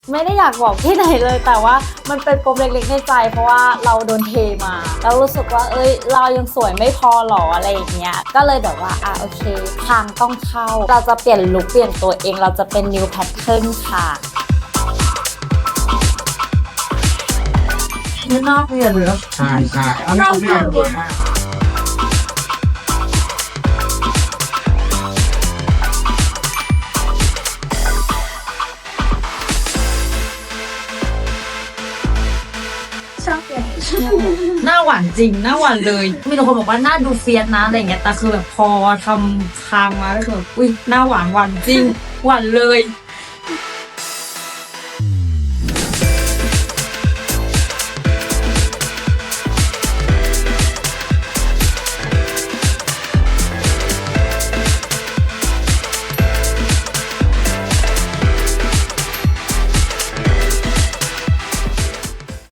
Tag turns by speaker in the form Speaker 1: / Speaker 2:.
Speaker 1: ไม่ได้อยากบอกที่ไหนเลยแต่ว่ามันเป็นปมเล็กๆในใจเพราะว่าเราโดนเทมาแล้วรู้สึกว่าเรายังสวยไม่พอหรออะไรอย่างเงี้ยก็เลยแบบว่าโอเคทางต้องเข้าเราจะเปลี่ยนลุคเปลี่ยนตัวเองเราจะเป็น new pattern ค่ะ
Speaker 2: นี่นอกเรียนเลยใช่เอานอกเรียนเลยหน้าหวานจริงหน้าหวานเลยมีแต่คนบอกว่าหน้าดูเฟียสนะอะไรเงี้ยแต่คือแบบพอทำคางมาแล้วคือแบบอุ้ยหน้าหวานจริงหวานเลย